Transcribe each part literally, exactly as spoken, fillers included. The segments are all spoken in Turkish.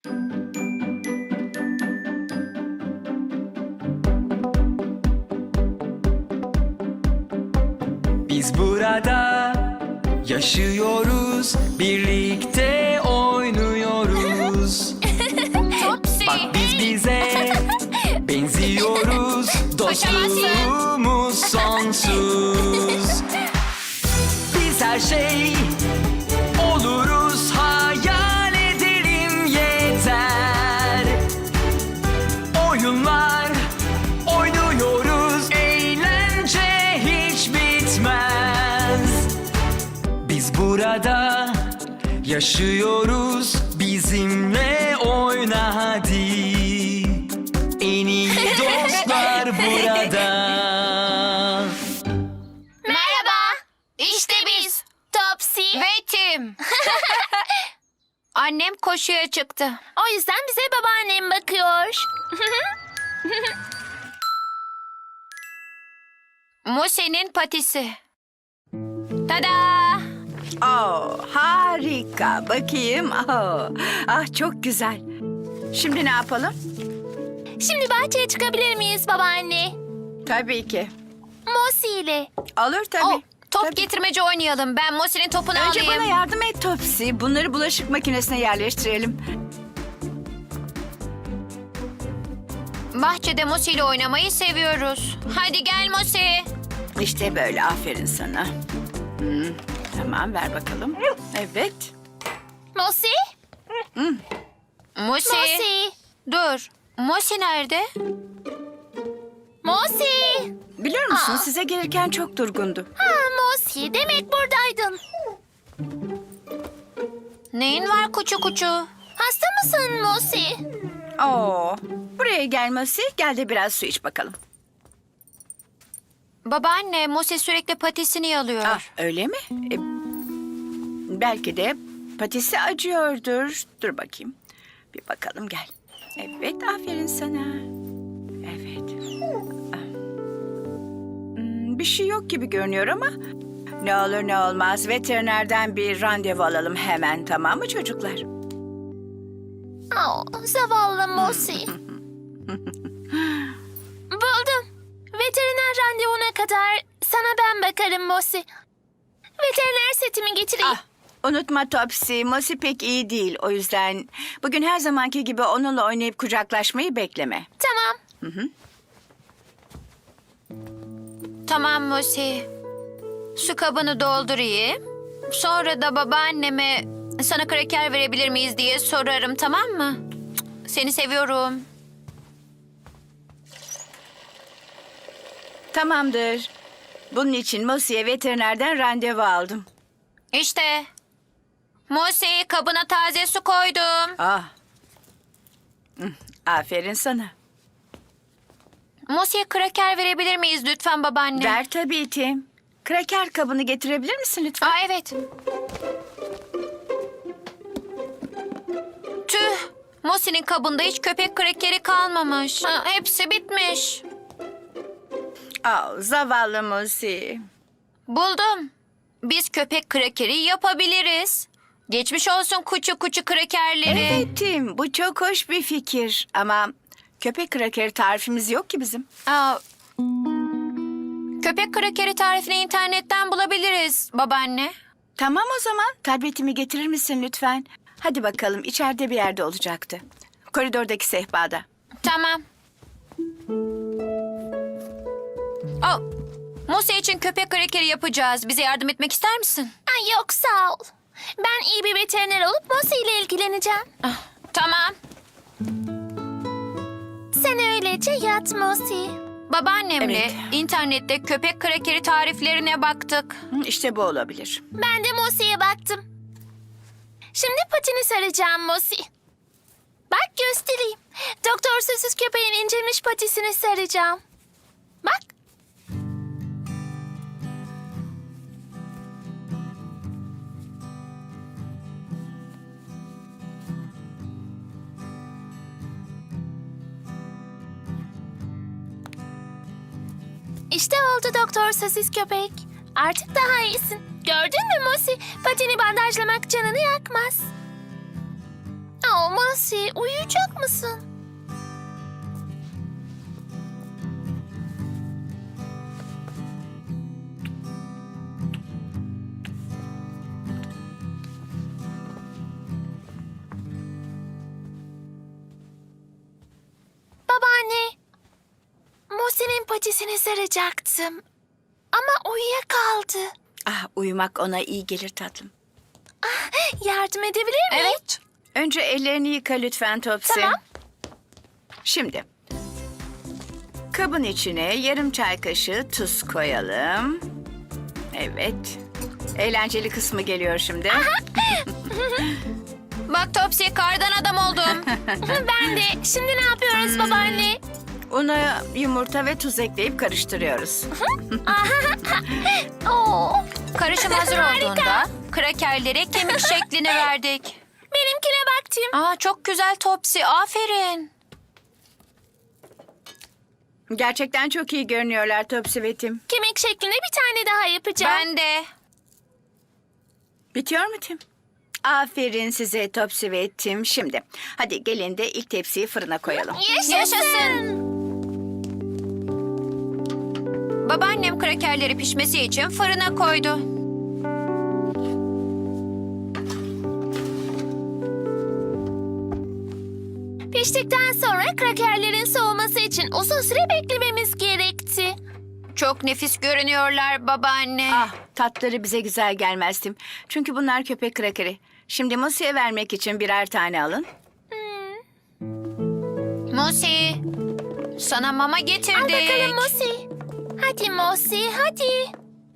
Biz burada yaşıyoruz, birlikte oynuyoruz. Topsy. Bak biz bize benziyoruz, dostluğumuz sonsuz. Biz her şey oluruz, hayal edelim yeter. Oyunlar oynuyoruz, eğlence hiç bitmez. Biz burada yaşıyoruz, bizimle oyna hadi. En iyi dostlar burada. Merhaba. İşte biz. Topsy. Ve Tim. Annem koşuya çıktı. O yüzden bize babaannem bakıyor. Muse'nin patisi. Tada! Oh, harika. Bakayım. Oh, ah çok güzel. Şimdi ne yapalım? Şimdi bahçeye çıkabilir miyiz babaanne? Tabii ki. Mosi ile. Olur tabii. Oh, top Tabii. getirmece oynayalım. Ben Mosi'nin topunu Önce alayım. bana yardım et Topsy. Bunları bulaşık makinesine yerleştirelim. Bahçede Mosi ile oynamayı seviyoruz. Hadi gel Mosi. İşte böyle. Aferin sana. Hmm, tamam ver bakalım. Evet. Mosi? Mosi. Mosi. Dur. Mosi nerede? Mosi. Biliyor musun Aa. size gelirken çok durgundu. Ha Mosi. Demek buradaydın. Neyin var kuçu kuçu? Hasta mısın Mosi? Oo, buraya gelmesi. Gel de biraz su iç bakalım. Babaanne Mosi sürekli patisini yalıyor. Ah, öyle mi? E, belki de patisi acıyordur. Dur bakayım. Bir bakalım gel. Evet, aferin sana. Evet. Ah. Hmm, bir şey yok gibi görünüyor ama... Ne olur ne olmaz veterinerden bir randevu alalım hemen, tamam mı çocuklar? Oh, zavallı Mosi. Buldum. Veteriner randevuna kadar sana ben bakarım Mosi. Veteriner setimi getireyim. Ah, unutma Topsy, Mosi pek iyi değil. O yüzden bugün her zamanki gibi onunla oynayıp kucaklaşmayı bekleme. Tamam. Hı hı. Tamam Mosi. Su kabını doldurayım. Sonra da babaanneme sana kraker verebilir miyiz diye sorarım, tamam mı? Seni seviyorum. Tamamdır. Bunun için Mosi'ye veterinerden randevu aldım. İşte. Mosi, kabına taze su koydum. Ah. Hı, aferin sana. Mosi'ye kraker verebilir miyiz lütfen babaanne? Ver tabii Tim. Kraker kabını getirebilir misin lütfen? Aa, evet. Tüh. Mosi'nin kabında hiç köpek krakeri kalmamış. Ha, hepsi bitmiş. Aa, zavallı Mosi. Buldum. Biz köpek krakeri yapabiliriz. Geçmiş olsun kuçu kuçu krakerleri. Evet Tim, bu çok hoş bir fikir. Ama köpek krakeri tarifimiz yok ki bizim. Aa, köpek krakeri tarifini internetten bulabiliriz babaanne. Tamam o zaman. Tabletimi getirir misin lütfen? Hadi bakalım, içeride bir yerde olacaktı. Koridordaki sehpada. Tamam. Oh, Mosi için köpek krakeri yapacağız. Bize yardım etmek ister misin? Ay yok sağ ol. Ben iyi bir veteriner olup Mosi ile ilgileneceğim. Ah, tamam. Sen öylece yat Mosi. Babaannemle Evet. internette köpek krakeri tariflerine baktık. Hı, İşte bu olabilir. Ben de Mosi'ye baktım. Şimdi patini saracağım Mosi. Bak göstereyim. Doktor Sözsüz köpeğin incelmiş patisini saracağım. Bak. İşte oldu Doktor Sosis Köpek. Artık daha iyisin. Gördün mü Mosi? Patini bandajlamak canını yakmaz. Oh Mosi, uyuyacak mısın? Babaanne, Mosi'nin patisini saracaktım. Ama uyuyakaldı. Ah, uyumak ona iyi gelir tatlım. Yardım edebilir miyim? Evet. Önce ellerini yıka lütfen Topsy. Tamam. Şimdi kabın içine yarım çay kaşığı tuz koyalım. Evet. Eğlenceli kısmı geliyor şimdi. Bak Topsy, kardan adam oldum. Ben de. Şimdi ne yapıyoruz babaanne? Una yumurta ve tuz ekleyip karıştırıyoruz. Oo, Karışım hazır Harika. olduğunda krakerlere kemik şeklini verdik. benimkine baktım. Aa, çok güzel Topsy, aferin. Gerçekten çok iyi görünüyorlar Topsy ve Tim. Kemik şeklinde bir tane daha yapacağım. Ben de. Bitiyor mu Tim? Aferin size Topsy ve Tim. Şimdi hadi gelin de ilk tepsiyi fırına koyalım. Yaşasın. Yaşasın. Babaannem krakerleri pişmesi için fırına koydu. Piştikten sonra krakerlerin soğuması için uzun süre beklememiz gerekti. Çok nefis görünüyorlar babaanne. Ah, tatları bize güzel gelmez Tim. Çünkü bunlar köpek krakeri. Şimdi Mosi'ye vermek için birer tane alın. Mosi, sana mama getirdik. Al bakalım Mosi. Hadi Mosi, hadi.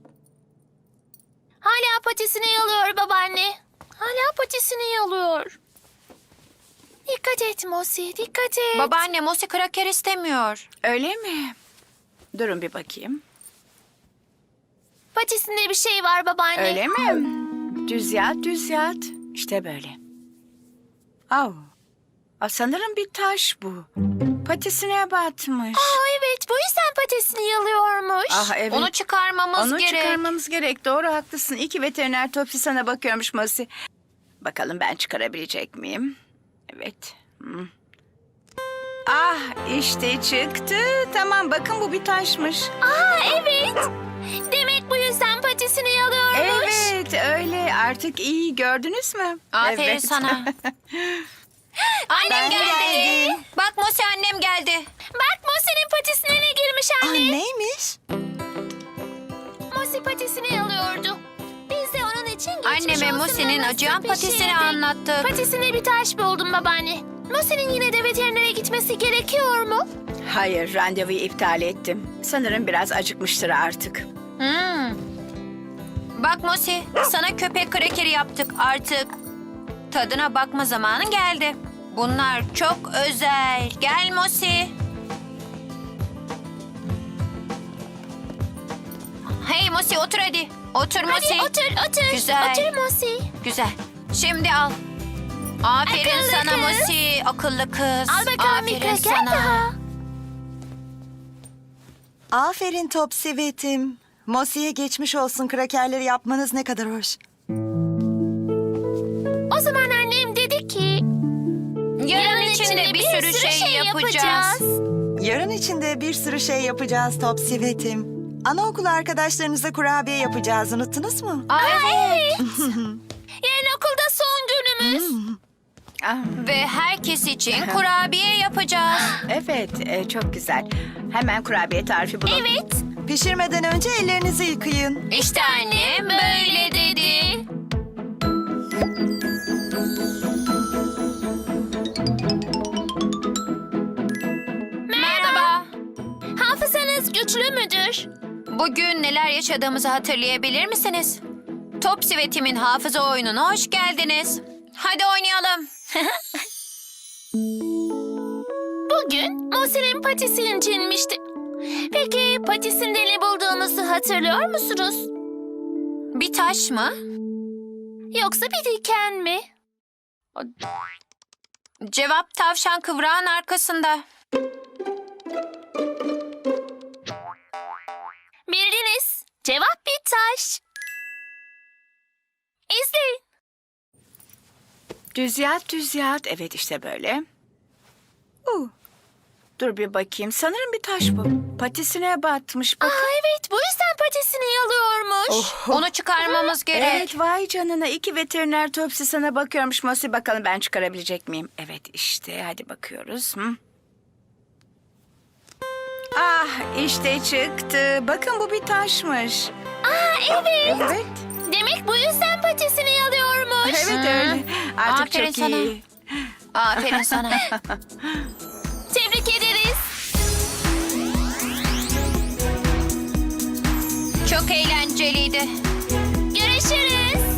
Hala patisini yalıyor babaanne. Hala patisini yalıyor. Dikkat et Mosi, dikkat et. Babaanne, Mosi kraker istemiyor. Öyle mi? Durun bir bakayım. Patisinde bir şey var babaanne. Öyle mi? Düz yat, düz yat. İşte böyle. Au. Aa, sanırım bir taş bu. Patisine batmış. Aa, evet, bu yüzden patisini yalıyormuş. Ah evet. Onu çıkarmamız Onu gerek. çıkarmamız gerek. Doğru, haklısın. İyi ki veteriner Topsy sana bakıyormuş Mosi. Bakalım ben çıkarabilecek miyim? Evet. Hmm. Ah, işte çıktı. Tamam, bakın bu bir taşmış. Aa, evet. Demek bu yüzden patisini yalıyormuş. Evet, öyle. Artık iyi, gördünüz mü? Aferin Evet. sana. Annem geldi. Bak Mosi, annem geldi. Bak Mosi'nin patisine ne girmiş anne. Neymiş? Mosi patisini yalıyordu. Biz de onun için geçmiş Anneme olsun Mosi'nin maması acıyan patisini pişirdik. anlattık. Patisine bir taş buldum babaanne. Mosi'nin yine de veterinere gitmesi gerekiyor mu? Hayır, randevuyu iptal ettim. Sanırım biraz acıkmıştır artık. Hmm. Bak Mosi, sana köpek krakeri yaptık artık. Tadına bakma zamanı geldi. Bunlar çok özel. Gel Mosi. Hey Mosi, otur hadi. Otur Mosi. Hadi otur otur. Güzel. Otur Mosi. Güzel. Şimdi al. Aferin Akıllı sana kız. Mosi. Akıllı kız. Al bakalım bir Aferin kraker sana. daha. Aferin Topsy ve Tim. Mosi'ye geçmiş olsun, krakerleri yapmanız ne kadar hoş. O zaman annem dedi ki... Yarın içinde bir sürü şey yapacağız. Yarın içinde bir sürü şey yapacağız Topsy ve Tim. Anaokulu arkadaşlarınıza kurabiye yapacağız, unuttunuz mu? Aa, evet. Yarın okulda son günümüz. Ah, Ve herkes için kurabiye yapacağız. evet, e, çok güzel. Hemen kurabiye tarifi bulun. Evet. Pişirmeden önce ellerinizi yıkayın. İşte annem böyle dedi. Merhaba. Hafızanız güçlü müdür? Bugün neler yaşadığımızı hatırlayabilir misiniz? Topsy ve Tim'in hafıza oyununa hoş geldiniz. Hadi oynayalım. Bugün Mosi'nin patisi incinmişti. Peki patisinde ne bulduğumuzu hatırlıyor musunuz? Bir taş mı? Yoksa bir diken mi? Cevap tavşan kıvrağın arkasında. Bildiniz. Cevap bir taş. İzleyin. Düz yat, düz yat. Evet, işte böyle. Uh. Dur bir bakayım. Sanırım bir taş bu. Patisine batmış. Bak. Aa, evet, bu yüzden patisini yalıyormuş. Onu çıkarmamız gerek. Evet, vay canına. İki veteriner Topsy sana bakıyormuş Mosi. Bakalım ben çıkarabilecek miyim? Evet, işte. Hadi bakıyoruz. Hı? Ah, işte çıktı. Bakın bu bir taşmış. Aa, evet. Evet. Demek bu yüzden patisini yalıyormuş. Evet öyle. Artık Aferin çok sana. iyi. Aferin sana. Tebrik ederiz. Çok eğlenceliydi. Görüşürüz.